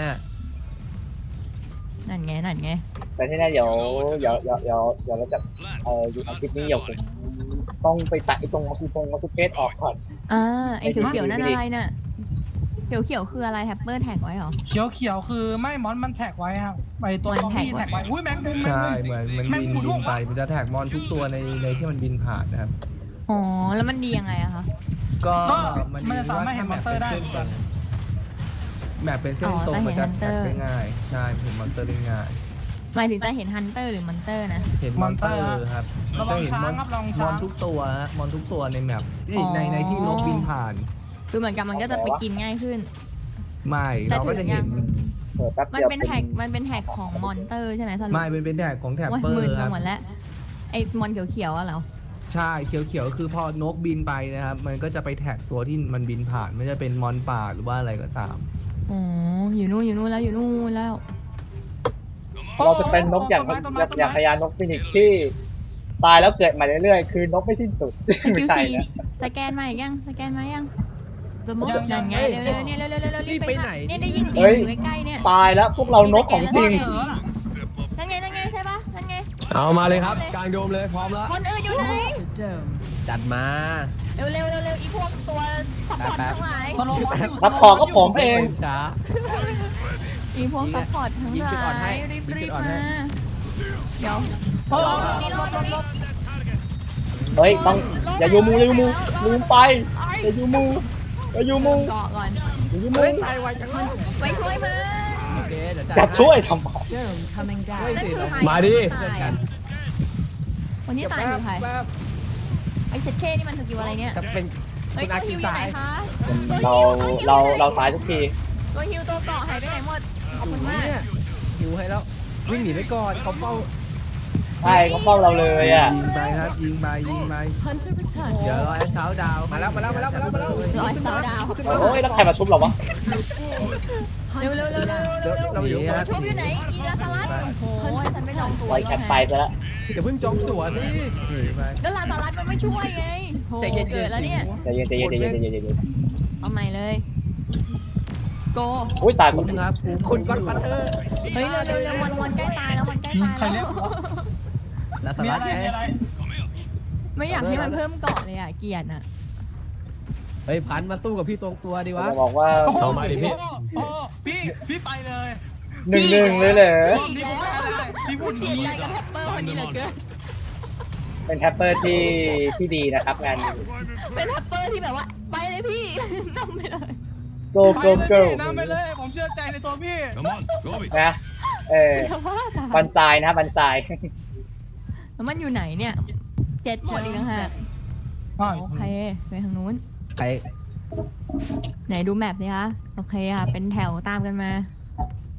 [SPEAKER 3] นั่นไงนั่นไง
[SPEAKER 2] แต่ที่แน่เดี๋ยวเดี๋ยวเดี๋ยวเดี๋ยวเดี๋ยวเราจะเอออยู่อาทิตย์นี้เดี๋ยวผมต้องไปตัดไอ้ตรงมากุทงมากุเทศออกก่อน
[SPEAKER 3] อ่าไอ้เขียวๆนั่นอะไรน่ะเขียวๆคืออะไรแท็ปเปอร์แท็กไว้เหรอ
[SPEAKER 5] เขียวเขียวๆคือไม่มอนมันแท็กไว้ครับไอตัว
[SPEAKER 3] มัน
[SPEAKER 5] ซอมบี้
[SPEAKER 3] แท็
[SPEAKER 5] แท็
[SPEAKER 3] ก
[SPEAKER 5] ก
[SPEAKER 3] ไว้
[SPEAKER 5] ไว้อุ้ยแมงมุมแมง
[SPEAKER 6] ใช่
[SPEAKER 5] มุม
[SPEAKER 6] เหมือนมัน
[SPEAKER 5] แม่
[SPEAKER 6] บิ
[SPEAKER 5] ง
[SPEAKER 6] น
[SPEAKER 5] สูด
[SPEAKER 6] บิ
[SPEAKER 5] ลู
[SPEAKER 6] น
[SPEAKER 5] ก
[SPEAKER 6] ไป
[SPEAKER 5] อะ
[SPEAKER 6] มันจะแท็กมอนทุกตัวในในที่มันบินผ่านนะครับ
[SPEAKER 3] อ๋อแล้วมันดียังไงอะคะ
[SPEAKER 6] ก็
[SPEAKER 5] ก็
[SPEAKER 6] มัน
[SPEAKER 5] มันจะสามารถเห็นมอนเตอร์ได้
[SPEAKER 6] แมปเป็นเส้นตรงมันจะแท็กได้ง่าย ใช่เห็นมอนเตอร์ได้ง่าย
[SPEAKER 3] หมายถึงจะเห็นฮันเตอร์หรือมอนเตอร์นะ
[SPEAKER 6] เห็นมอนเตอร์ครับ
[SPEAKER 5] ระวัง
[SPEAKER 6] เห็น
[SPEAKER 5] ช้าง
[SPEAKER 6] มอน
[SPEAKER 5] ครับระวัง
[SPEAKER 6] ม
[SPEAKER 5] ช้า
[SPEAKER 6] อน
[SPEAKER 5] ง
[SPEAKER 6] ทุกตัวฮะมอนทุกตัวในแมปเอ้ย
[SPEAKER 3] อ๋อ
[SPEAKER 6] ในในที่นกบินผ่าน
[SPEAKER 3] คือเหมือนกับมันก็จะไปกินง่ายขึ้น
[SPEAKER 6] ไม่
[SPEAKER 3] แต่
[SPEAKER 6] เราก็จะเห็น
[SPEAKER 3] ถึงยัง
[SPEAKER 2] เออแป๊บ
[SPEAKER 3] มัน
[SPEAKER 2] เดียว
[SPEAKER 3] เป็นแท็กมันเป็นแท็กของมอนเตอร์ใช่ไหมสรุป
[SPEAKER 6] ไม่เป็นเป็นแท็กของแท็บ
[SPEAKER 3] ว่า
[SPEAKER 6] เปอ
[SPEAKER 3] มึน
[SPEAKER 6] ร์
[SPEAKER 3] ไป
[SPEAKER 6] ครับ
[SPEAKER 3] หมดแล้วไอ้มอนเขียวๆอะเหรอ
[SPEAKER 6] ใช่เขียวๆคือพอนกบินไปนะครับ มันก็จะไปแท็กตัวที่มันบินผ่านไม่ว่าจะเป็นมอนป่าหรือว่าอะไรก็ตาม
[SPEAKER 3] อ๋ออยู่นู่นอยู่นู่นแล้วอยู่นู่นแล้ว
[SPEAKER 2] เราจะเป็นนกอย่าง
[SPEAKER 5] ต้นไม้ต้นไม้
[SPEAKER 2] อย่างพญานกฟินิกซ์ที่ตายแล้วเกิดมาเรื่อยๆคือนกไม่สิ้นสุด ไม่ใช่นะ
[SPEAKER 3] สแกนมาอีกยังสแกนมายัง
[SPEAKER 5] ยัง
[SPEAKER 3] นั่นไง
[SPEAKER 5] ยัง
[SPEAKER 3] เร็วๆเนี่ยเร็วๆเร็วๆรีบไป
[SPEAKER 7] รีบไปไหน
[SPEAKER 3] เนี่ยได้ยินเสีย
[SPEAKER 2] เฮ้
[SPEAKER 3] ง
[SPEAKER 2] ย
[SPEAKER 3] อยู่ใกล้ๆเนี่ย
[SPEAKER 2] ตายแล้วพวกเรานกของจริง
[SPEAKER 5] เออ
[SPEAKER 3] นั่นไงนั่นไงใช่ปะนั่นไง
[SPEAKER 4] เอามาเลยครับ กลางโดมเลยพร้อมแล้ว
[SPEAKER 3] คนอื่นอยู่ไหน
[SPEAKER 7] จัดมา
[SPEAKER 3] เร็วๆเร็วๆเร็วๆอีพวกตัวซัพพอร์ตทั้งหลาย
[SPEAKER 5] สโลว์มอนอยู่
[SPEAKER 2] รับขอก็ผมเอง
[SPEAKER 7] ช้า
[SPEAKER 3] อีพวกซัพพอร์ตทั้ง
[SPEAKER 7] ยิง
[SPEAKER 3] ห
[SPEAKER 7] จุดอ่อน
[SPEAKER 3] ลา
[SPEAKER 7] ให้
[SPEAKER 3] ยรีบ
[SPEAKER 7] ยิง
[SPEAKER 3] รี
[SPEAKER 7] จุ
[SPEAKER 3] บ
[SPEAKER 7] ดอ่อน
[SPEAKER 3] มา
[SPEAKER 7] ให้
[SPEAKER 3] เดี๋ยว
[SPEAKER 5] โอ้โหลบลบลบลบ
[SPEAKER 2] เฮ้ยต้องอย่ายูมูอย่ายูมูลืมไปอย่ายูมูอย่ายูมู
[SPEAKER 3] เกาะก่อน
[SPEAKER 2] อย่ายูมู
[SPEAKER 7] เฮ้ยตายไวจังเลย
[SPEAKER 3] ไปช่วยมัน
[SPEAKER 7] โอเคเดี๋ยว
[SPEAKER 2] จะช่วยทำไม
[SPEAKER 3] นั่นคือใคร
[SPEAKER 4] มาดิ
[SPEAKER 3] ตายอะคนที่ตายคือใคร
[SPEAKER 7] แป๊บ
[SPEAKER 3] ไอ้เซตเคนี่มันสกิลอะไรเนี่ย
[SPEAKER 7] จะเป็น
[SPEAKER 3] เฮ้ย
[SPEAKER 7] คุณ
[SPEAKER 3] ตั
[SPEAKER 7] อาว คิ
[SPEAKER 3] ฮิ
[SPEAKER 7] ว
[SPEAKER 3] วอยู่
[SPEAKER 7] ตา
[SPEAKER 3] ไหน
[SPEAKER 7] ย
[SPEAKER 3] คะ
[SPEAKER 2] เราเราเราตายทุกที
[SPEAKER 3] ตัวฮิวตัวเกาะหายไปไหนหมดขอบคุณมาก
[SPEAKER 7] เนี่ยหิวให้แล้ว วิ่งหนีไปก่อนเขาเฝ้า
[SPEAKER 2] ใช่เขาเฝ้าเราเลยอ่ะ
[SPEAKER 6] ยิงไปครับยิงไปยิงไปเดี๋ยวรอแอสซาวดาว
[SPEAKER 7] มาแล้วมาแล้วมาแล้วมาแล้วมาแล้ว
[SPEAKER 3] ร้อยเสาดาว
[SPEAKER 2] โอ้ยแล้วใครมาชุบเราวะ
[SPEAKER 3] เร็วเร็วเร็วเร็วเร็วเร็ว
[SPEAKER 7] เราอยู่
[SPEAKER 6] ครับ
[SPEAKER 3] ชุบอยู่ไหนอีลาสลัดโอ้โหฉันไม่ลองตัว
[SPEAKER 2] ไว้แคปไปซะแล้ว
[SPEAKER 7] เดี๋ยวเพิ่งจองตั๋วสิ
[SPEAKER 6] หนีไป
[SPEAKER 3] แล้วลาสลัดมันไม่ช่วยไงโห
[SPEAKER 7] ใจเย็นๆ
[SPEAKER 3] เกิดแล้วเนี่ย
[SPEAKER 2] ใจเย็นใจเย็นใจเย็นใจเย็นใจเย็น
[SPEAKER 3] เอาใหม่เลยโก
[SPEAKER 2] อุ้ยตายค
[SPEAKER 6] คุ้
[SPEAKER 2] น
[SPEAKER 6] มครับคุ้ม
[SPEAKER 7] คุณก็ปัตเตอร์
[SPEAKER 3] เฮ้ยเร็วเร็วเร็วมันมันใกล้ตายแล้วมันใกล้ตาย
[SPEAKER 5] ใคร
[SPEAKER 3] แล้
[SPEAKER 5] เรียว ก
[SPEAKER 7] แล้วส
[SPEAKER 5] มี
[SPEAKER 7] ลั
[SPEAKER 5] อะ
[SPEAKER 7] ด
[SPEAKER 5] ไร
[SPEAKER 7] ไง
[SPEAKER 5] มีอะไร
[SPEAKER 3] ไม่อยากให้มันเพิ่มเกาะเลยอ่ะเกลียดอ่ะ
[SPEAKER 7] เฮ้ยพันมาตู้กับพี่ตรงตัวดีวะ
[SPEAKER 2] จะบอกว่า
[SPEAKER 5] โอ้โห
[SPEAKER 4] เอามาดิพี่
[SPEAKER 5] โอ้โหพี่พี่ไปเลย
[SPEAKER 2] หนึ่งหนึ่งเลยเหรอ
[SPEAKER 5] รอบนี้ผมไม่ได้พี่พูด
[SPEAKER 3] เสีย
[SPEAKER 5] ดี
[SPEAKER 3] ใจกับแทปเปอร์คนนี้เหลือเกิน
[SPEAKER 2] เป็นแทปเปอร์ที่ที่ดีนะครับงานนี้
[SPEAKER 3] เป็นแทปเปอร์ที่แบบว่าไปเลยพี่นำไปเลย
[SPEAKER 2] go
[SPEAKER 5] ไป
[SPEAKER 2] go
[SPEAKER 5] เลย
[SPEAKER 2] go
[SPEAKER 5] พี่นำไปเลย ผมเชื่อใจในตัวพี่
[SPEAKER 2] นะเออ
[SPEAKER 3] แต่ว่าตาย
[SPEAKER 2] บันทรายนะครับบันทราย
[SPEAKER 3] แล้วมันอยู่ไหนเนี่ยเจ็ดหมดอีกแล้วฮะ
[SPEAKER 5] อ้าว
[SPEAKER 3] โอเคไปทางนู้น
[SPEAKER 7] ใคร
[SPEAKER 3] ไหนดูแมปสิคะโอเคค่ะเป็นแถวตามกันมา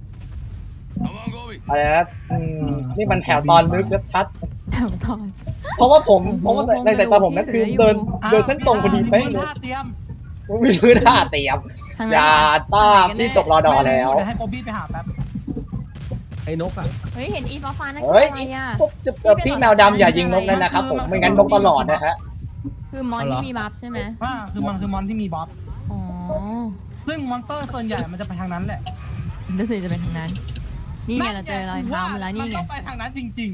[SPEAKER 2] อะไรนะอืมนี่มันแถวตอนนึกชัด
[SPEAKER 3] แถวตอน
[SPEAKER 2] เพราะว่าผมเพราะว่าในสายตาผมนั่นคือเดินเดินเส้นตรงพอดีเป๊ะ
[SPEAKER 5] มี
[SPEAKER 2] เล
[SPEAKER 5] พื้น
[SPEAKER 2] ย
[SPEAKER 5] ท่าเตรียม
[SPEAKER 2] ผมมีพื้นท่าเตรียม
[SPEAKER 3] ทาง
[SPEAKER 2] อ
[SPEAKER 3] นั้น
[SPEAKER 2] ย่าต้ามที่จบรอดอแล้ว
[SPEAKER 5] เดี๋ยวให้โบบี้ไปหาแป๊บ
[SPEAKER 7] ไอ้นกอ่ะ
[SPEAKER 3] เฮ้ยเห็นอีฟ้าฟ้าๆนั่นคือ
[SPEAKER 2] เฮ้ย
[SPEAKER 3] อะไรอ่ะ
[SPEAKER 2] พวกจะเอ่อพี่แมวดำอย่ายิงนกเลยนะครับผมไม่งั้นนกตลอดนะฮะ
[SPEAKER 3] คือมอนที่มีบัฟใช่ไหม
[SPEAKER 5] อ่าคือมันคือมอนที่มีบ๊อบ
[SPEAKER 3] อ๋อ
[SPEAKER 5] ซึ่งมอนเตอร์ส่วนใหญ่มันจะไปทางนั้นแหละ
[SPEAKER 3] รู้สึกจะเป็นทางนั้น นี่ไงเราเจอรอยเท้ามาแล้วนี่ไง
[SPEAKER 5] มันต้องไปทางนั้นจริง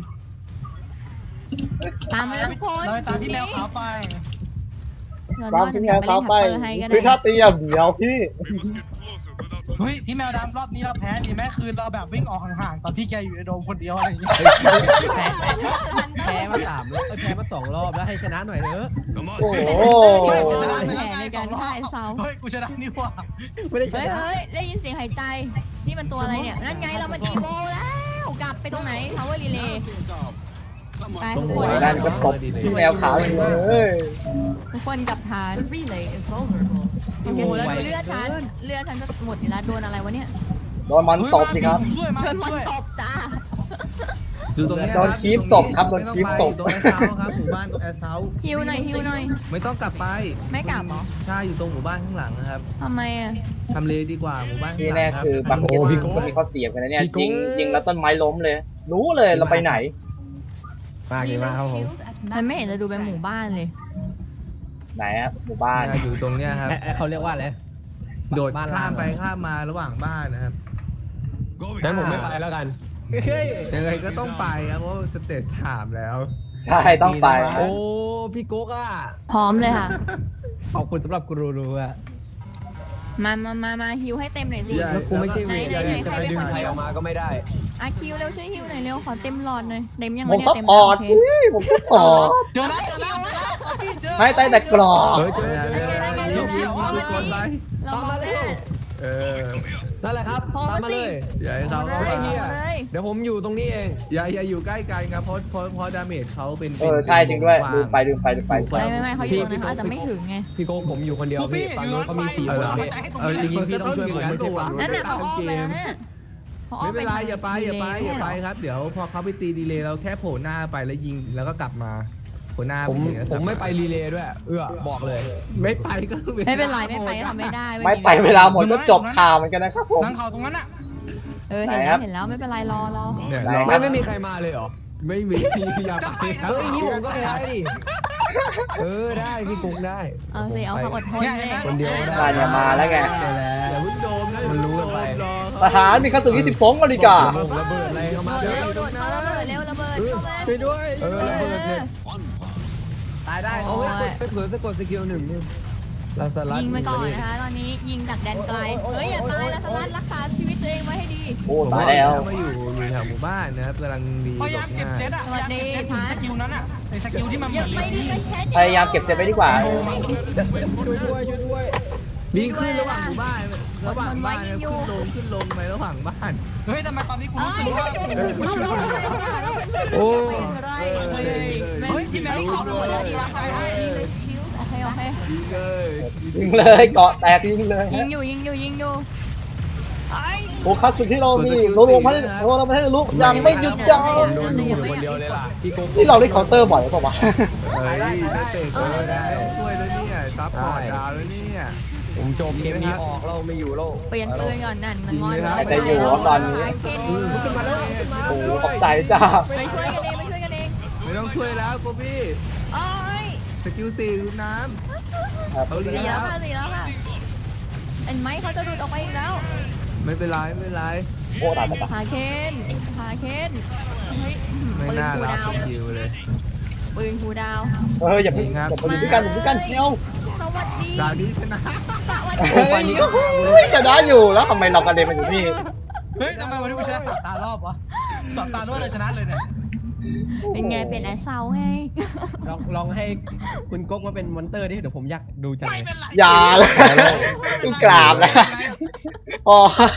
[SPEAKER 3] ตามมาแล้วทุกคน
[SPEAKER 5] ๆเราไปตามที่แมวขาวไป
[SPEAKER 2] ตามที่แมวเขาไป
[SPEAKER 3] เดี๋ยวไปเล่นแท็ปเปอร์ให้ก็
[SPEAKER 2] พื้น
[SPEAKER 3] ได้
[SPEAKER 2] ท่าเตรียมเดี๋ยวพี่
[SPEAKER 5] เฮ้ยพี่แมวดำรอบนี้เราแพ้ดีไหมคือเราแบบวิ่งออกห่างๆตอนที่แกอยู่ในโดมคนเดียวอะไรอย่างเงี้ย
[SPEAKER 7] แพ้มาสามรอบเอ้ยแพ้มาสองรอบแล้วให้ชนะหน่อยเถอะ
[SPEAKER 2] โอ้โห
[SPEAKER 5] ไม่กูชนะ
[SPEAKER 3] แผ
[SPEAKER 5] ไป
[SPEAKER 3] น
[SPEAKER 5] แล้วไง
[SPEAKER 3] ใน
[SPEAKER 5] ส
[SPEAKER 3] กา
[SPEAKER 5] อ
[SPEAKER 3] รง
[SPEAKER 5] รอ
[SPEAKER 3] ฆ่า
[SPEAKER 5] บ
[SPEAKER 3] ไอ้เซา
[SPEAKER 5] เฮ้ยกูชนะนี่หว่า
[SPEAKER 7] ไม่ได้ช
[SPEAKER 3] เฮ้ย
[SPEAKER 7] นะ
[SPEAKER 3] เฮ้ยได้ยินเสียงหายใจ นี่มันตัวอะไรเนี่ย นั่นไงเรามันอีโวแล้ว กลับไปตรงไหน power relay ไปทุกคน
[SPEAKER 2] นั่นก็ตบที่แมวขาวอยู่เลย
[SPEAKER 3] ทุกคนกลับฐาน relay is vulnerable โอ้โหแล้วดูเลือดฉันเลือดฉันจะหมดอยู่แล้วโดนอะไรวะเนี่ย
[SPEAKER 2] โดนมันตบสิครับ
[SPEAKER 5] ผมช่วยมา
[SPEAKER 3] โด
[SPEAKER 5] ผ
[SPEAKER 3] น
[SPEAKER 5] ม
[SPEAKER 3] มัน
[SPEAKER 5] ช่วย
[SPEAKER 3] ตบจ้า
[SPEAKER 6] อยู่ตรงเนี้ย
[SPEAKER 2] โดนคีบตบครับโดนคีบตบ
[SPEAKER 6] ตรงแอร์เซาท์ครับหมู่บ้านตรงแอร์เซาท์
[SPEAKER 3] ฮิวหน่อยฮิวหน่อย
[SPEAKER 6] ไม่ต้องกลับไป
[SPEAKER 3] ไม่กลับเหรอ
[SPEAKER 6] ใช่อยู่ตรงหมู่บ้านข้างหลังนะครับ
[SPEAKER 3] ทำไมอ่ะ
[SPEAKER 6] ทำเลดีกว่าหมู่บ้านข้าง
[SPEAKER 2] นี่
[SPEAKER 6] หลั
[SPEAKER 2] แน่
[SPEAKER 6] งครับ
[SPEAKER 2] คือบางคนที่คนที่เขาเสียบกันนะเนี่ยยิงยิงแล้วต้นไม้ล้มเลย รู้เลยเราไปไหน
[SPEAKER 7] มากดีมากครับผม
[SPEAKER 3] มันไม่เห็นจะดูเป็นหมู่บ้านเลย
[SPEAKER 2] ไหนอะหมู่บ้าน
[SPEAKER 6] อยู่ตรงเนี้ยครับ
[SPEAKER 7] เอ้ยเอ้ยเขาเรียกว่าอะไร
[SPEAKER 6] โดด
[SPEAKER 7] บ้าน
[SPEAKER 6] ข้ามไป
[SPEAKER 7] เหรอ
[SPEAKER 6] ข้ามมาระหว่างบ้านนะครับ
[SPEAKER 4] งั้นผมไม่ไปแล้วกัน
[SPEAKER 7] เฮ้ย
[SPEAKER 6] ยังไงก็ต้องไปครับเพราะว่าสเตจสามแล้ว
[SPEAKER 2] ใช่ต้องไป
[SPEAKER 7] โอ้พี่โก๊กอ่ะ
[SPEAKER 3] พร้อมเลยค่ะ
[SPEAKER 7] ขอบคุณสำหรับกูรูๆอ่ะ
[SPEAKER 3] มามามามาฮิวให้เต็มหน่อยสิ
[SPEAKER 6] ใหญ่
[SPEAKER 4] แล้วกูไม่ใช่เวท
[SPEAKER 3] ไหนไหนไหน
[SPEAKER 4] จะไปดึงใครออกมาก็ไม่ได้
[SPEAKER 3] อาคิวเร็วช่วยฮิวหน่อยเร็วขอเต็มหลอดหน่อยเต็มยัง
[SPEAKER 2] ผ
[SPEAKER 3] วะ
[SPEAKER 2] ม
[SPEAKER 3] เนี่ย
[SPEAKER 2] ก็
[SPEAKER 3] เต็ม
[SPEAKER 2] ปอด
[SPEAKER 3] โอเค
[SPEAKER 2] อุ้ยผมก็ปอด
[SPEAKER 5] เจอแล้วเจอแล้วเจอแล้วเอาพี่เจอ
[SPEAKER 2] ไม่ใต้แต่กรอบ
[SPEAKER 4] เฮ้ยเจ
[SPEAKER 6] เดี๋
[SPEAKER 4] อ
[SPEAKER 6] ยวเดี๋ยวเดี๋ยวยิงยิงยิงทุกคนไป
[SPEAKER 3] เรามาเลย
[SPEAKER 6] เออ
[SPEAKER 4] นั่นแหละครับ
[SPEAKER 3] พอ
[SPEAKER 4] ตาม
[SPEAKER 3] มา
[SPEAKER 4] มา
[SPEAKER 3] สิ
[SPEAKER 4] เลย
[SPEAKER 6] อย่าให้เขา
[SPEAKER 3] เล
[SPEAKER 6] เข้าย มา
[SPEAKER 3] เอาเลย
[SPEAKER 4] เดี๋ยวผมอยู่ตรงนี้เอง
[SPEAKER 6] อย่าอย่าอยู่ใกล้กันครับเพราะเพราะเพราะดาเมจเขาเป็น
[SPEAKER 2] เออใช่จริงด้วยดูไปดูไปดูไป
[SPEAKER 3] ไม่ไม่ไม่เขาอยู่ตรงนั้นเขาอาจจะไม่ถึงไง
[SPEAKER 4] พี่โก้ผมอยู่คนเดียว
[SPEAKER 5] พวกพี่
[SPEAKER 4] พี่ฝั่ง
[SPEAKER 5] อยู่
[SPEAKER 4] นู้น
[SPEAKER 5] ร้าน
[SPEAKER 4] เขา
[SPEAKER 5] ไฟ
[SPEAKER 4] มีสี่
[SPEAKER 5] อ
[SPEAKER 4] ค
[SPEAKER 5] ยู่
[SPEAKER 4] น
[SPEAKER 5] ร้าน
[SPEAKER 4] พี่
[SPEAKER 5] ไฟให้ตรง
[SPEAKER 6] เออ
[SPEAKER 5] นี้
[SPEAKER 6] จริงๆพี่ต้องช่วยผมไม่ใช่ฝั่งนู้น
[SPEAKER 3] นั่นน่ะเขาอ้อมไปแล้วเนี่ยเขาอ้อ
[SPEAKER 6] ไม่เป็นไร
[SPEAKER 3] ทง
[SPEAKER 6] อย่าไปอย่าไปอย่าไป
[SPEAKER 3] ดีเล
[SPEAKER 6] ครับ เดี๋ยวพอเขาไปตีดีเลย์เราแค่โผล่หน้าไปแล้วยิงแล้วก็กลับมาโผล่หน้า
[SPEAKER 4] ผม
[SPEAKER 6] ปยิงแล้วก
[SPEAKER 4] ผ
[SPEAKER 6] ลับ
[SPEAKER 4] มไม่ไปรีเลย์ด้วย เอื้อบอกเลย
[SPEAKER 6] ไม่ไปก็
[SPEAKER 3] ไม่เป็นไรไม่ไปก็ทำไม่ได้
[SPEAKER 2] ไม่ไปเวลาหมดก็จบข่าวเหมือนกันนะครับผม
[SPEAKER 5] นั่งเขาตรงนั้นอ่ะ
[SPEAKER 3] เออเห็น
[SPEAKER 2] ไหนค
[SPEAKER 3] แล้
[SPEAKER 2] รั
[SPEAKER 3] ว
[SPEAKER 2] บ
[SPEAKER 3] เห็นแล้วไม่เป็นไรรอรอ
[SPEAKER 6] เนี่ย
[SPEAKER 2] ไหน
[SPEAKER 6] เรา
[SPEAKER 2] ครั
[SPEAKER 4] ไม่
[SPEAKER 2] บ
[SPEAKER 4] ไม่มีใครมาเลยเหรอ
[SPEAKER 6] ไม่มีอย่าไปครับ
[SPEAKER 4] เฮ้ยอย่างนี้ผมก็ได้ดิ เออได้พี่กุ๊กได้
[SPEAKER 3] เอาสิเอาเขาอดทนเลย
[SPEAKER 4] คนเดียวได้
[SPEAKER 2] มาเนี่ยมาแล้วไง
[SPEAKER 6] อย่าเพิ่งโดมนะ
[SPEAKER 4] มันรู้กันไป
[SPEAKER 6] รอ
[SPEAKER 2] ทหารมีกระสุนยี่สิบสองนาฬิกา
[SPEAKER 4] ผมระเบิดอะไรเข้ามา
[SPEAKER 3] เร็
[SPEAKER 4] เร็
[SPEAKER 3] ว
[SPEAKER 4] ว
[SPEAKER 3] โดดเข้าระเบิดเร็วระเบิดเข้ามา
[SPEAKER 6] ช่วยด้วย
[SPEAKER 4] เออระเบิดเนี่ย
[SPEAKER 7] ตายได้
[SPEAKER 4] เอาไว้ไปเผื่อสะกดสกิลหนึ่งนี่ลาสลัด
[SPEAKER 3] ยิงไปก่อนนะคะตอนนี้ยิงจากแดนไกลเฮ้ยอย่าตายนะสลัดรักษาชีวิตตัวเองไว้ให้ดี
[SPEAKER 2] โอ้ตายแล้ว
[SPEAKER 6] มาอยู่อยู่แถวหมู่บ้านนะครับกำลังดี
[SPEAKER 5] พยายามเก็บเจ็ตอ่ะพยายามเก็บเจ็ตถึงสกิลนั้นอ่ะในสกิลที่มันเห
[SPEAKER 3] อ
[SPEAKER 5] มื
[SPEAKER 3] ย่า
[SPEAKER 5] อน
[SPEAKER 3] ไปดิไปแค่
[SPEAKER 2] พยายามเก็บเจ็บไว้ดีกว่า
[SPEAKER 6] ช่วยด้วยช่วยด้วยวิ่งขึ้นระหว่างหมู่บ้านระหว่างบ้านนะขึ้นลงขึ้นลงไประหว่างบ้าน
[SPEAKER 5] เฮ้ยทำไมตอนนี้กูรู้สึกว่า
[SPEAKER 4] โอ้
[SPEAKER 5] เฮ้ยพี่แมวขาวลงมาแล้วดีรักใจให้
[SPEAKER 3] โอเคโอเค
[SPEAKER 6] ยิงเลย
[SPEAKER 2] ยิงเลยเกาะแตกยิงเลย
[SPEAKER 3] ยิงอยู่ยิงอยู่ยิงอยู่ไอ้
[SPEAKER 2] โอ้คัสสุดที่เรามีโลโลพันโลโลพันลุกยังไม่หยุดยั้ง
[SPEAKER 4] ผมโดนดูอยู่คนเดียวเลยล่ะพี่กุ๊ก
[SPEAKER 2] ที่เราได้เคาน์เตอร์บ่อยหรือเปล่าวะ
[SPEAKER 6] เฮ้ยได้เตะก็ได้ช่วยแล้วเนี่ยซับพอร์ตดาวแล้วเนี่ย
[SPEAKER 4] ผมจบเกมนี้ออกเราไม่อยู่แล้ว
[SPEAKER 3] เปลี่ยนปืนก่อนนั่นงอน
[SPEAKER 2] แต่อยู่ตอนนี้
[SPEAKER 6] ขึ้นมาแล้วขึ้นมา
[SPEAKER 2] โอ้ขอบใจจ้า
[SPEAKER 3] ไปช่วยกันเองไปช่วยกันเอง
[SPEAKER 6] ไม่ต้องช่วยแล้วโกบี้
[SPEAKER 3] โอ้ย
[SPEAKER 6] สกิลสี่ลูกน้ำเขาเลี้
[SPEAKER 3] สี
[SPEAKER 6] ย
[SPEAKER 3] แล้ว
[SPEAKER 6] ง
[SPEAKER 3] ค่ะสีแล้วค่ะเห็นไหมเขาจะดูดออกไปอีกแล้ว
[SPEAKER 6] ไม่เป็นไรไม่เป็นไร
[SPEAKER 2] โอ้ตายตายตาย
[SPEAKER 3] พาเคนพาเคนเฮ้ย
[SPEAKER 6] ไม่
[SPEAKER 3] ปืน
[SPEAKER 6] น่า
[SPEAKER 3] คู
[SPEAKER 6] รับ
[SPEAKER 3] ดาว
[SPEAKER 6] สกิลเลย
[SPEAKER 3] ปืนคูดาว
[SPEAKER 2] เอออย่าเพิ่งอย่าเพิ่งด้วยกันอย่าเพิ่งกันเชียว
[SPEAKER 3] สวัสดี
[SPEAKER 6] ดาวนี้ชนะ
[SPEAKER 3] สวัสดี
[SPEAKER 2] เฮ้ยชนะอยู่แล้วทำไมเรากระเด็นมาอยู่นี่
[SPEAKER 5] เฮ้ยทำไมวันนี้กูชนะสามตารอบวะสามตารวดเลยชนะเลยเนี่ย
[SPEAKER 3] เป็นไงเป็นแอสเซาไง
[SPEAKER 7] ลองลองให้คุณโก๊กมาเป็นมอนเตอร์ดิเดี๋ยวผมอยากดูจัง
[SPEAKER 5] ไม่
[SPEAKER 7] เลย
[SPEAKER 5] เป็นไร
[SPEAKER 2] อย่าเลยต้องกราบนะพอน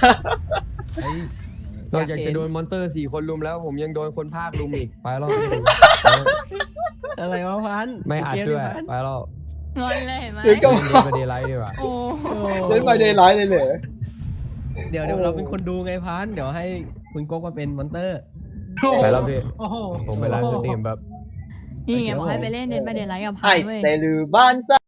[SPEAKER 4] อกจากจะโดนมอนเตอร์สี่คนลุมแล้ว ผมยังโดนคนภาคลุมอีกไปแล้ว
[SPEAKER 7] อะไรวะพัน
[SPEAKER 4] ไม่อัดด้วย
[SPEAKER 7] เกม
[SPEAKER 4] ไปแล้ว
[SPEAKER 3] งอนเลยเห็นไหม
[SPEAKER 2] เดี๋ยวก็
[SPEAKER 4] เล่นเกมกับเดย์ไลท์ดีกว่า
[SPEAKER 3] โอ้
[SPEAKER 2] เล่นไปเดย์ไลท์เลยเหรอ
[SPEAKER 7] เดี๋ยวเดี๋ยวเราเป็นคนดูไงพันเดี๋ยวให้คุณโก๊กมาเป็นมอนเตอร์
[SPEAKER 4] ไปแล้วพี่
[SPEAKER 5] โอ้โห
[SPEAKER 4] ผมไปไลฟ์สตรีมแบบ
[SPEAKER 3] นี่ไงบอกให้ไปเล่นเดนไปเดนไลท์กับพั
[SPEAKER 2] ไอ้
[SPEAKER 3] นเว้ย
[SPEAKER 2] เซลือบ้านซะ